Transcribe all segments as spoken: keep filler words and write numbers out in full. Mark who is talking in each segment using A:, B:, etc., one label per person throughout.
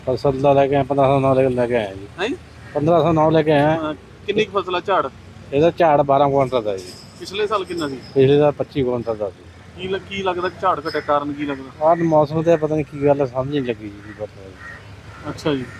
A: फसल ਦਾ ਲੈ ਕੇ ਆਏ ਪੰਦਰਾਂ ਸੌ ਨੌ ਲੈ ਲੈ ਕੇ ਆਏ ਜੀ
B: ਹੈ
A: ਪੰਦਰਾਂ ਸੌ ਨੌ ਲੈ ਕੇ ਆਏ।
B: ਕਿੰਨੀ ਕੁ ਫਸਲ ਆ ਝਾੜ?
A: ਇਹਦਾ ਝਾੜ ਬਾਰਾਂ ਕੁਇੰਟਲ ਦਾ ਜੀ।
B: ਪਿਛਲੇ ਸਾਲ ਕਿੰਨਾ ਸੀ?
A: ਪਿਛਲੇ ਦਾ ਪੱਚੀ ਕੁਇੰਟਲ ਦਾ ਸੀ।
B: ਕੀ ਲੱਗ- ਕੀ ਲੱਗਦਾ ਝਾੜ ਘਟੇ ਕਾਰਨ ਕੀ ਲੱਗਦਾ?
A: ਆਹ ਮੌਸਮ ਤੇ ਪਤਾ ਨਹੀਂ ਕੀ ਗੱਲ ਹੈ, ਸਮਝ ਨਹੀਂ ਲੱਗੀ ਜੀ ਪਤਾ ਜੀ।
B: ਅੱਛਾ ਜੀ,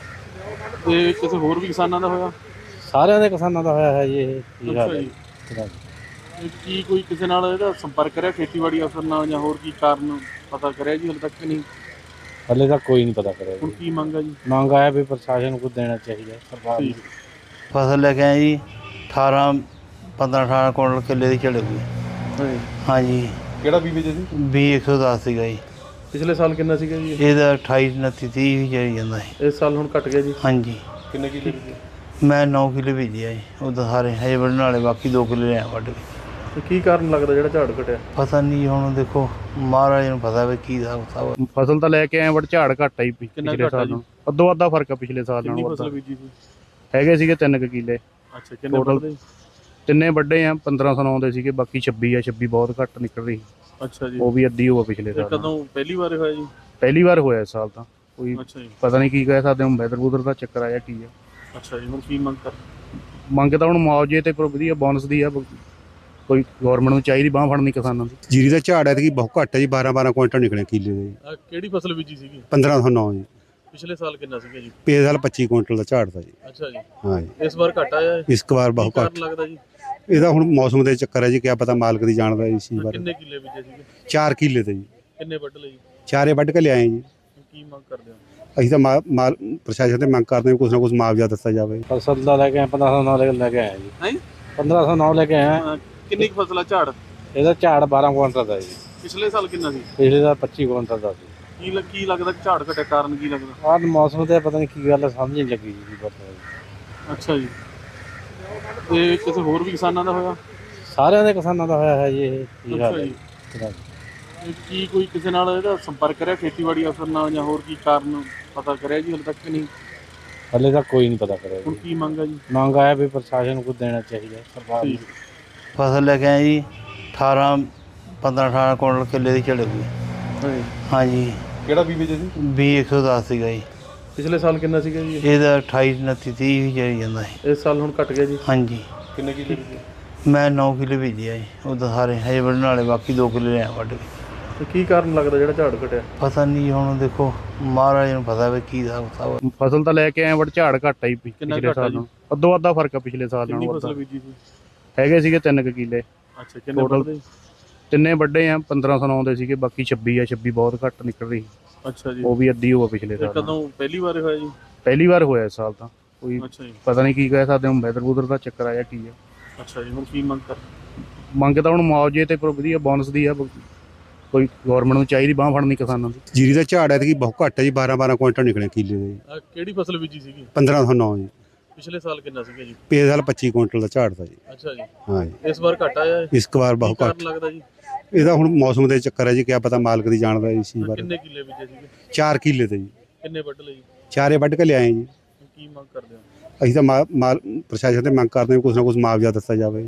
B: ਤੇ ਕਿਸੇ ਹੋਰ ਵੀ ਕਿਸਾਨਾਂ ਦਾ ਹੋਇਆ?
A: ਸਾਰਿਆਂ ਦੇ ਕਿਸਾਨਾਂ ਦਾ ਹੋਇਆ ਹੈ ਜੀ ਇਹ ਕੀ
B: ਅੱਛਾ
A: ਹਾਲ ਹੈ
B: ਜੀ,
A: ਜੀ।
B: ਤੇ ਕੀ ਕੋਈ ਕਿਸੇ ਨਾਲ ਇਹਦਾ ਸੰਪਰਕ ਕਰਿਆ ਖੇਤੀਬਾੜੀ ਅਫਸਰ ਨਾਲ, ਜਾਂ ਹੋਰ ਕੀ ਕਾਰਨ ਪਤਾ ਕਰਿਆ ਜੀ? ਹਾਲੇ ਤੱਕ ਕਿ ਨਹੀਂ?
A: ਹਲੇ ਤਾਂ ਕੋਈ ਨਹੀਂ ਪਤਾ ਕਰਿਆ
B: ਹੁਣ
A: ਜੀ।
B: ਕੀ ਮੰਗ ਆ ਜੀ?
A: ਮੰਗ ਆਇਆ ਵੀ ਪ੍ਰਸ਼ਾਸਨ ਨੂੰ ਕੁਝ ਦੇਣਾ ਚਾਹੀਦਾ ਸਰਕਾਰ ਨੂੰ।
B: ਠੀਕ।
C: ਫਸਲ ਲੈ ਕੇ ਆਏ ਜੀ ਅਠਾਰਾਂ ਪੰਦਰਾਂ ਅਠਾਰਾਂ ਕੁਇੰਟਲ ਕਿੱਲੇ ਦੀ ਝੜੂਗੀ। ਹਾਂਜੀ।
B: ਕਿਹੜਾ ਬੀਜ ਜੀ?
C: ਵੀਹ ਇੱਕ ਸੌ ਦਸ ਸੀਗਾ ਜੀ।
B: ਪਿਛਲੇ ਸਾਲ ਕਿੰਨਾ ਸੀਗਾ ਜੀ?
C: ਇਹਦਾ ਅਠਾਈ ਉਨੱਤੀ ਤੀਹ ਵੀ ਜਾਈ ਜਾਂਦਾ ਸੀ।
B: ਇਸ ਸਾਲ ਹੁਣ ਘਟ ਗਿਆ ਜੀ।
C: ਹਾਂਜੀ।
B: ਕਿੰਨੇ ਕਿੱਲੇ ਬੀਜੇ?
C: ਮੈਂ ਨੌ ਕਿੱਲੇ ਭੇਜਿਆ ਜੀ, ਉਹਦਾ ਸਾਰੇ ਹਜੇ ਵੱਢਣ ਵਾਲੇ ਬਾਕੀ ਦੋ ਕਿੱਲੇ ਲਿਆ ਵੱਢ ਕੇ।
B: ਤੇ ਕੀ ਕਾਰਨ ਲੱਗਦਾ ਜਿਹੜਾ ਝਾੜ ਘਟਿਆ?
C: ਪਤਾ ਨਹੀਂ, ਹੁਣ ਦੇਖੋ ਮਹਾਰਾਜ ਨੂੰ ਪਤਾ ਵੀ ਕੀ ਹਿਸਾਬ ਕਿਤਾਬ।
A: ਫਸਲ ਤਾਂ ਲੈ ਕੇ ਆਏ ਬਟ ਝਾੜ ਘੱਟ ਆਈ
B: ਕਿੰਨਾ
A: ਪਿਛਲੇ
B: ਘੱਟ ਆ
A: ਸਾਲ
B: ਜੀ?
A: ਨਾਲੋਂ। ਅੱਧੋ ਅੱਧਾ ਫਰਕ ਆ ਪਿਛਲੇ ਸਾਲ
B: ਕਿੰਨੀ
A: ਨਾਲੋਂ।
B: ਫਸਲ ਬੀਜੀ ਸੀ?
A: ਹੈਗੇ ਸੀਗੇ ਤਿੰਨ ਕੁ ਕਿੱਲੇ।
B: ਅੱਛਾ, ਕਿੰਨੇ
A: Total
B: ਵੱਢਦੇ?
A: ਤਿੰਨੇ ਵੱਡੇ ਆ ਪੰਦਰਾਂ ਸੌ ਨੌ ਦੇ ਸੀਗੇ, ਬਾਕੀ ਛੱਬੀ ਆ। ਛੱਬੀ ਬਹੁਤ ਘੱਟ ਨਿਕਲ ਰਹੀ,
B: ਅੱਛਾ ਜੀ,
A: ਉਹ ਵੀ ਅੱਧੀ ਹੋਆ ਪਿਛਲੇ
B: ਤੇ
A: ਸਾਲ ਨਾਲੋਂ।
B: ਕਦੋਂ ਪਹਿਲੀ ਵਾਰ ਹੋਇਆ ਜੀ?
A: ਪਹਿਲੀ ਵਾਰ ਹੋਇਆ ਇਸ ਸਾਲ ਤਾਂ। ਕੋਈ
B: ਅੱਛਾ ਜੀ,
A: ਪਤਾ ਨਹੀਂ ਕੀ ਕਹਿ ਸਕਦੇ ਹੁਣ, ਵੈਦਰ ਵੂਦਰ ਦਾ ਚੱਕਰ ਆਇਆ ਕੀ ਆ।
B: ਅੱਛਾ ਜੀ, ਹੁਣ ਕੀ ਮੰਗ ਕਰ?
A: ਮੰਗ ਤਾਂ ਹੁਣ ਮੁਆਵਜ਼ੇ ਤੇ ਪਰ ਵਧੀਆ ਬੋਨਸ ਦੀ ਆ। ਕੋਈ ਗਵਰਨਮੈਂਟ ਨੂੰ ਚਾਹੀਦੀ ਬਾਂਹ ਫੜਨੀ ਕਿਸਾਨਾਂ ਦੀ।
D: ਜੀਰੀ ਦਾ ਝਾੜ ਹੈ ਕਿ ਬਹੁਤ ਘੱਟ ਹੈ ਜੀ, ਬਾਰਾਂ ਬਾਰਾਂ ਕੁਇੰਟਲ ਨਿਕਲੇ ਕਿੱਲੇ ਦੇ ਜੀ।
B: ਆਹ ਕਿਹੜੀ ਫਸਲ ਬੀਜੀ ਸੀਗੀ?
D: ਪੰਦਰਾਂ ਸੌ ਨੌ ਜੀ।
B: ਪਿਛਲੇ ਸਾਲ ਕਿੰਨਾ ਸੀਗਾ ਜੀ?
D: ਪਿਛਲੇ ਸਾਲ ਪੱਚੀ ਕੁਇੰਟਲ ਦਾ ਝਾੜ ਦਾ ਜੀ।
B: ਅੱਛਾ ਜੀ,
D: ਹਾਂ ਜੀ।
B: ਇਸ ਵਾਰ ਘਟ ਆਇਆ ਹੈ?
D: ਇਸ ਵਾਰ
B: ਕੀ
D: ਬਹੁਤ
B: ਕਾਰਨ
D: ਘੱਟ।
B: ਲੱਗਦਾ ਜੀ?
D: ਇਹਦਾ ਹੁਣ ਮੌਸਮ ਦੇ ਚੱਕਰ ਹੈ ਜੀ, ਕਿਆ ਪਤਾ ਮਾਲਕ ਦੀ ਜਾਣਦਾ ਇਸ ਚੀਜ਼ ਬਾਰੇ।
B: ਕਿੰਨੇ ਕਿੱਲੇ ਬੀਜੇ ਸੀਗੇ?
D: ਚਾਰ ਕਿੱਲੇ ਤੇ ਜੀ,
B: ਕਿੰਨੇ ਵੱਢ ਲਏ ਜੀ?
D: ਚਾਰੇ ਵੱਢ ਕੇ ਲਿਆਏ ਜੀ।
B: ਹੁਣ ਕੀ ਮੰਗ ਕਰਦੇ ਹੋ?
D: ਅਸੀਂ ਤਾਂ ਮਾ- ਮਾਲ ਪ੍ਰਸ਼ਾਸਨ ਤੇ ਮੰਗ ਕਰਦੇ ਹਾਂ ਕੁਛ ਨਾ ਕੁਛ ਮੁਆਵਜ਼ਾ ਦਿੱਤਾ ਜਾਵੇ।
A: ਫਸਲ ਦਾ ਲੈ ਕੇ ਆਏ ਪੰਦਰਾਂ ਸੌ ਨੌ ਲੈ ਲੈ ਕੇ ਆਏ ਜੀ।
B: ਹੈ
A: ਪੰਦਰਾਂ ਸੌ ਨੌ ਲੈ ਕੇ ਆਏ।
B: ਕਿੰਨੀ ਕੁ ਫਸਲ ਆ ਝਾੜ?
A: ਇਹਦਾ ਝਾੜ ਬਾਰਾਂ ਕੁਇੰਟਲ ਦਾ ਜੀ।
B: ਪਿਛਲੇ ਸਾਲ ਕਿੰਨਾ ਸੀ?
A: ਪਿਛਲੇ ਦਾ ਪੱਚੀ ਕੁਇੰਟਲ ਦਾ ਸੀ।
B: ਕੀ ਲੱਗ- ਕੀ ਲੱਗਦਾ ਝਾੜ ਘਟੇ ਕਾਰਨ ਕੀ ਲੱਗਦਾ?
A: ਆਹ ਮੌਸਮ ਤੇ ਪਤਾ ਨਹੀਂ ਕੀ ਗੱਲ ਹੈ, ਸਮਝ ਨਹੀਂ ਲੱਗੀ ਜੀ ਪਤਾ ਜੀ।
B: ਅੱਛਾ ਜੀ, ਤੇ ਕਿਸੇ ਹੋਰ ਵੀ ਕਿਸਾਨਾਂ ਦਾ ਹੋਇਆ?
A: ਸਾਰਿਆਂ ਦੇ ਕਿਸਾਨਾਂ ਦਾ ਹੋਇਆ ਹੈ ਜੀ ਇਹ ਕੀ ਹਾਲ
B: ਅੱਛਾ
A: ਹੈ
B: ਜੀ,
A: ਜੀ।
B: ਤੇ ਕੀ ਕੋਈ ਕਿਸੇ ਨਾਲ ਇਹਦਾ ਸੰਪਰਕ ਕਰਿਆ ਖੇਤੀਬਾੜੀ ਅਫਸਰ ਨਾਲ, ਜਾਂ ਹੋਰ ਕੀ ਕਾਰਨ ਪਤਾ ਕਰਿਆ ਜੀ? ਹਾਲੇ ਤੱਕ ਕਿ ਨਹੀਂ?
A: ਹਲੇ ਤਾਂ ਕੋਈ ਨਹੀਂ ਪਤਾ ਕਰਿਆ
B: ਹੁਣ
A: ਜੀ।
B: ਕੀ ਮੰਗ ਆ ਜੀ?
A: ਮੰਗ ਆਇਆ ਵੀ ਪ੍ਰਸ਼ਾਸਨ ਨੂੰ ਕੁਝ ਦੇਣਾ ਚਾਹੀਦਾ ਸਰਕਾਰ ਨੂੰ।
B: ਠੀਕ।
C: ਫਸਲ ਲੈ ਕੇ ਆਏ ਜੀ ਅਠਾਰਾਂ ਪੰਦਰਾਂ ਅਠਾਰਾਂ ਕੁਇੰਟਲ ਕਿੱਲੇ ਦੀ ਝੜੂਗੀ। ਹਾਂਜੀ।
B: ਕਿਹੜਾ ਬੀਜ ਜੀ?
C: ਵੀਹ ਇੱਕ ਸੌ ਦਸ ਸੀਗਾ ਜੀ।
B: ਪਿਛਲੇ ਸਾਲ ਕਿੰਨਾ ਸੀਗਾ ਜੀ?
C: ਇਹਦਾ ਅਠਾਈ ਉਨੱਤੀ ਤੀਹ ਵੀ ਜਾਈ ਜਾਂਦਾ ਸੀ।
B: ਇਸ ਸਾਲ ਹੁਣ ਘਟ ਗਿਆ ਜੀ।
C: ਹਾਂਜੀ।
B: ਕਿੰਨੇ ਕਿੱਲੇ ਬੀਜੇ?
C: ਮੈਂ ਨੌ ਕਿੱਲੇ ਭੇਜਿਆ ਜੀ, ਉਹਦਾ ਸਾਰੇ ਹਜੇ ਵੱਢਣ ਵਾਲੇ ਬਾਕੀ ਦੋ ਕਿੱਲੇ ਲਿਆ ਵੱਢ ਕੇ।
B: ਤੇ ਕੀ ਕਾਰਨ ਲੱਗਦਾ ਜਿਹੜਾ ਝਾੜ ਘਟਿਆ?
C: ਪਤਾ ਨਹੀਂ, ਹੁਣ ਦੇਖੋ ਮਹਾਰਾਜ ਨੂੰ ਪਤਾ ਵੀ ਕੀ ਹਿਸਾਬ ਕਿਤਾਬ।
A: ਫਸਲ ਤਾਂ ਲੈ ਕੇ ਆਏ ਬਟ ਝਾੜ ਘੱਟ ਆਈ
B: ਕਿੰਨਾ
A: ਪਿਛਲੇ
B: ਘੱਟ ਆ
A: ਸਾਲ
B: ਜੀ?
A: ਨਾਲੋਂ। ਅੱਧੋ ਅੱਧਾ ਫਰਕ ਆ ਪਿਛਲੇ ਸਾਲ
B: ਕਿੰਨੀ
A: ਨਾਲੋਂ।
B: ਫਸਲ ਬੀਜੀ ਸੀ?
A: ਹੈਗੇ ਸੀਗੇ ਤਿੰਨ ਕੁ ਕਿੱਲੇ।
B: ਅੱਛਾ, ਕਿੰਨੇ
A: Total
B: ਵੱਢਦੇ?
A: ਤਿੰਨੇ ਵੱਡੇ ਆ ਪੰਦਰਾਂ ਸੌ ਨੌ ਦੇ ਸੀਗੇ, ਬਾਕੀ ਛੱਬੀ ਆ। ਛੱਬੀ ਬਹੁਤ ਘੱਟ ਨਿਕਲ ਰਹੀ,
B: ਅੱਛਾ ਜੀ,
A: ਉਹ ਵੀ ਅੱਧੀ ਹੋਆ ਪਿਛਲੇ
B: ਤੇ
A: ਸਾਲ ਨਾਲੋਂ।
B: ਕਦੋਂ ਪਹਿਲੀ ਵਾਰ ਹੋਇਆ ਜੀ?
A: ਪਹਿਲੀ ਵਾਰ ਹੋਇਆ ਇਸ ਸਾਲ ਤਾਂ। ਕੋਈ
B: ਅੱਛਾ ਜੀ,
A: ਪਤਾ ਨਹੀਂ ਕੀ ਕਹਿ ਸਕਦੇ ਹੁਣ, ਵੈਦਰ ਵੂਦਰ ਦਾ ਚੱਕਰ ਆਇਆ ਕੀ ਆ।
B: ਅੱਛਾ ਜੀ, ਹੁਣ ਕੀ ਮੰਗ ਕਰ?
A: ਮੰਗ ਤਾਂ ਹੁਣ ਮੁਆਵਜ਼ੇ ਤੇ ਪਰ ਵਧੀਆ ਬੋਨਸ ਦੀ ਆ। ਕੋਈ ਗਵਰਨਮੈਂਟ ਨੂੰ ਚਾਹੀਦੀ ਬਾਂਹ ਫੜਨੀ ਕਿਸਾਨਾਂ ਦੀ।
D: ਜੀਰੀ ਦਾ ਝਾੜ ਹੈ ਕਿ ਬਹੁਤ ਘੱਟ ਹੈ ਜੀ, ਬਾਰਾਂ ਬਾਰਾਂ ਕੁਇੰਟਲ ਨਿਕਲੇ ਕਿੱਲੇ ਦੇ ਜੀ।
B: ਆਹ ਕਿਹੜੀ ਫਸਲ ਬੀਜੀ ਸੀਗੀ?
D: ਪੰਦਰਾਂ ਸੌ ਨੌ ਜੀ।
B: ਪਿਛਲੇ ਸਾਲ ਕਿੰਨਾ ਸੀਗਾ ਜੀ?
D: ਪਿਛਲੇ ਸਾਲ ਪੱਚੀ ਕੁਇੰਟਲ ਦਾ ਝਾੜ ਦਾ ਜੀ।
B: ਅੱਛਾ ਜੀ,
D: ਹਾਂ ਜੀ।
B: ਇਸ ਵਾਰ ਘਟ ਆਇਆ ਹੈ?
D: ਇਸ ਵਾਰ
B: ਕੀ
D: ਬਹੁਤ
B: ਕਾਰਨ
D: ਘੱਟ।
B: ਲੱਗਦਾ ਜੀ?
D: ਇਹਦਾ ਹੁਣ ਮੌਸਮ ਦੇ ਚੱਕਰ ਹੈ ਜੀ, ਕਿਆ ਪਤਾ ਮਾਲਕ ਦੀ ਜਾਣਦਾ ਇਸ ਚੀਜ਼ ਬਾਰੇ।
B: ਕਿੰਨੇ ਕਿੱਲੇ ਬੀਜੇ ਸੀਗੇ?
D: ਚਾਰ ਕਿੱਲੇ ਤੇ ਜੀ,
B: ਕਿੰਨੇ ਵੱਢ ਲਏ ਜੀ?
D: ਚਾਰੇ ਵੱਢ ਕੇ ਲਿਆਏ ਜੀ।
B: ਹੁਣ ਕੀ ਮੰਗ ਕਰਦੇ ਹੋ?
D: ਅਸੀਂ ਤਾਂ ਮਾ- ਮਾਲ ਪ੍ਰਸ਼ਾਸਨ ਤੇ ਮੰਗ ਕਰਦੇ ਹਾਂ ਕੁਛ ਨਾ ਕੁਛ ਮੁਆਵਜ਼ਾ ਦਿੱਤਾ ਜਾਵੇ।